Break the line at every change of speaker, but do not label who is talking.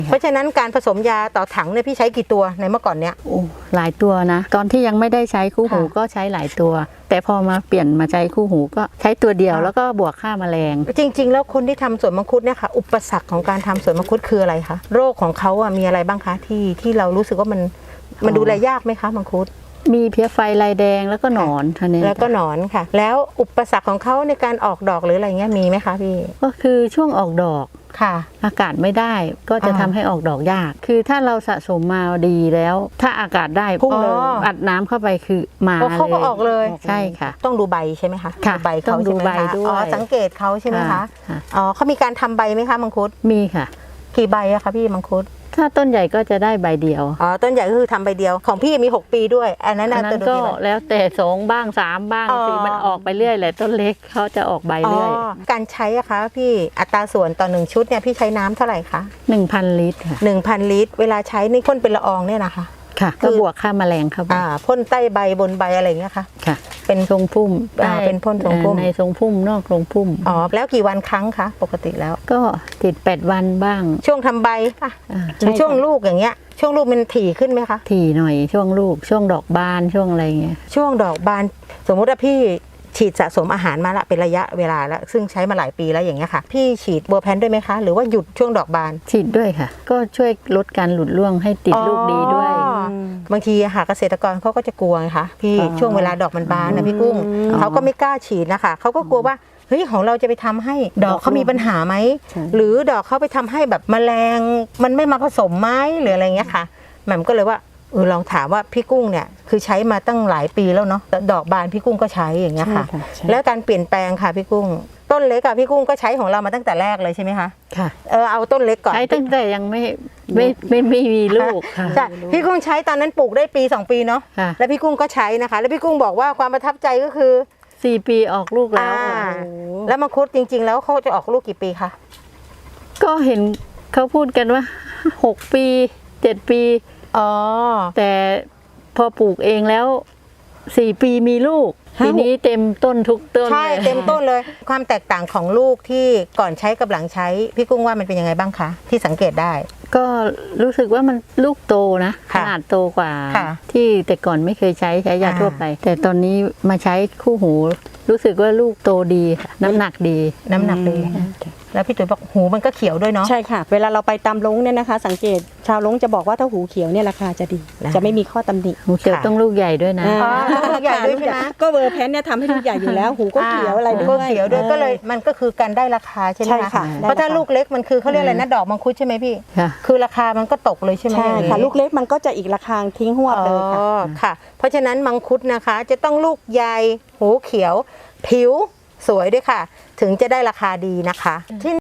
เพราะฉะนั้นการผสมยาต่อถังเนี่ยพี่ใช้กี่ตัวในเมื่อก่อนเนี้ย
หลายตัวนะตอนที่ยังไม่ได้ใช้คู่หูก็ใช้หลายตัวแต่พอมาเปลี่ยนมาใช้คู่หูก็ใช้ตัวเดียวแล้วก็บวกฆ่าแมลง
จริงๆแล้วคนที่ทำสวนมังคุดเนี่ยค่ะอุปสรรคของการทำสวนมังคุดคืออะไรคะโรคของเขามีอะไรบ้างคะที่เรารู้สึกว่ามันดูแลยากไหมคะมังคุด
มีเพี้ยไฟลายแดงแล้วก็หนอนท่านี้
แล้วก็หนอนค่ะแล้วอุปสรรคของเขาในการออกดอกหรืออะไรเงี้ยมีไหมคะพี่
ก็คือช่วงออกดอก
ค่ะ
อากาศไม่ได้ก็จะทำให้ออกดอกยากคือถ้าเราสะสมมาดีแล้วถ้าอากาศได้พุ่งเลยอัดน้ำเข้าไปคือมาเลย
เขาก็ออกเลย
ใช่ค่ะ
ต้องดูใบใช่ไหมคะ
ใบเขาดูใบด้วย
อ๋อสังเกตเขาใช่ไหมคะอ๋อเขามีการทำใบไหมคะมังคุด
มีค่ะ
กี่ใบอะคะพี่มังคุด
ถ้าต้นใหญ่ก็จะได้ใบเดียว
อ๋อต้นใหญ่ก็คือทำใบเดียวของพี่มี6 ปีด้วยอันนั้น
ก็แล้วแต่2บ้าง3บ้าง4มันออกไปเรื่อยแหละต้นเล็กเขาจะออกใบเรื่อย
การใช้อะคะพี่อัตราส่วนต่อ1ชุดเนี่ยพี่ใช้น้ำเท่าไหร่คะ
1,000 ลิตรค่ะ
1,000 ลิตรเวลาใช้นี่พ่นเป็นละอองเนี่ยนะคะ
ค่ะก็บวกฆ่าแมลงครับ
พ่นใต้ใบบนใบอะไรเงี้ยค่ะ
เป็นทรงพุ่ม
เป็นพ่นทรงพุ่ม
ในทรงพุ่มนอกทรงพุ่ม
แล้วกี่วันครั้งคะปกติแล้ว
ก็ติด8 วันบ้าง
ช่วงทำใบหรือช่วงลูกอย่างเงี้ยช่วงลูกมันถี่ขึ้นไหมคะ
ถี่หน่อยช่วงลูกช่วงดอกบานช่วงอะไรเงี้ย
ช่วงดอกบานสมมุติว่าพี่ฉีดสะสมอาหารมาละเป็นระยะเวลาแล้วซึ่งใช้มาหลายปีแล้วอย่างเงี้ยค่ะพี่ฉีดเบอร์แพนด้วยไหมคะหรือว่าหยุดช่วงดอกบาน
ฉีดด้วยค่ะก็ช่วยลดการหลุดร่วงให้ติดลูกดีด้วย
บางทีเกษตรกรเขาก็จะกลัวค่ะพี่ช่วงเวลาดอกมันบานนะพี่กุ้งเขาก็ไม่กล้าฉีดนะคะเขาก็กลัวว่าเฮ้ยของเราจะไปทำให้ดอกเขามีปัญหาไหมหรือดอกเขาไปทำให้แบบแมลงมันไม่มาผสมไหมหรืออะไรเงี้ยค่ะแหม่มก็เลยว่าลองถามว่าพี่กุ้งเนี่ยคือใช้มาตั้งหลายปีแล้วเนาะดอกบานพี่กุ้งก็ใช้อย่างเงี้ยค่ะแล้วการเปลี่ยนแปลงค่ะพี่กุ้งต้นเล็กพี่กุ้งก็ใช้ของเรามาตั้งแต่แรกเลยใช่ไหมคะ
ค่ะ
เอาต้นเล็กก่อน
ใช้ตั้งแต่ยังไม่มีลูกค่ะ
พี่กุ้งใช้ตอนนั้นปลูกได้ปี2 ปีเนาะแล้วพี่กุ้งก็ใช้นะคะแล้วพี่กุ้งบอกว่าความประทับใจก็คือ
4 ปีออกลูกแล้ว
แล้วมังคุดจริงๆแล้วเขาจะออกลูกกี่ปีคะ
ก็เห็นเขาพูดกันว่า6 ปี7 ปีแต่พอปลูกเองแล้ว4 ปีมีลูกทีนี้เต็มต้นทุกต้น
ใช่เต็มต้นเลยความแตกต่างของลูกที่ก่อนใช้กับหลังใช้พี่กุ้งว่ามันเป็นยังไงบ้างคะที่สังเกตได้
ก็รู้สึกว่ามันลูกโตนะขนาดโตกว่าที่แต่ก่อนไม่เคยใช้ยาทั่วไปแต่ตอนนี้มาใช้คู่หูรู้สึกว่าลูกโตดีน้ำหนักดีแล้วพี่ตุ๋ยบอกหูมันก็เขียวด้วยเนาะ
ใช่ค่ะเวลาเราไปตามลงเนี่ยนะคะสังเกตชาวลงจะบอกว่าถ้าหูเขียวเนี่ยราคาจะดีจะไม่มีข้อตำหนิ
หูเขียวต้องลูกใหญ่ด้วยนะ
ลูกใหญ่ด้วยใช่ไหม
ก็เวอร์แพนเนี่ยทำให้ลูกใหญ่อยู่แล้วหูก็เขียวอะไรด้วย
ก็เลยมันก็คือการได้ราคาใช่ไหมคะเพราะถ้าลูกเล็กมันคือเขาเรียกอะไรนะดอกมังคุดใช่ไหมพี่คือราคามันก็ตกเลยใช่ไหม
ใช่ค่ะลูกเล็กมันก็จะอีกราคาทิ้งหัวเลย
ค่ะเพราะฉะนั้นมังคุดนะคะจะต้องลูกใหญ่หูเขียวผิวสวยด้วยค่ะถึงจะได้ราคาดีนะคะที่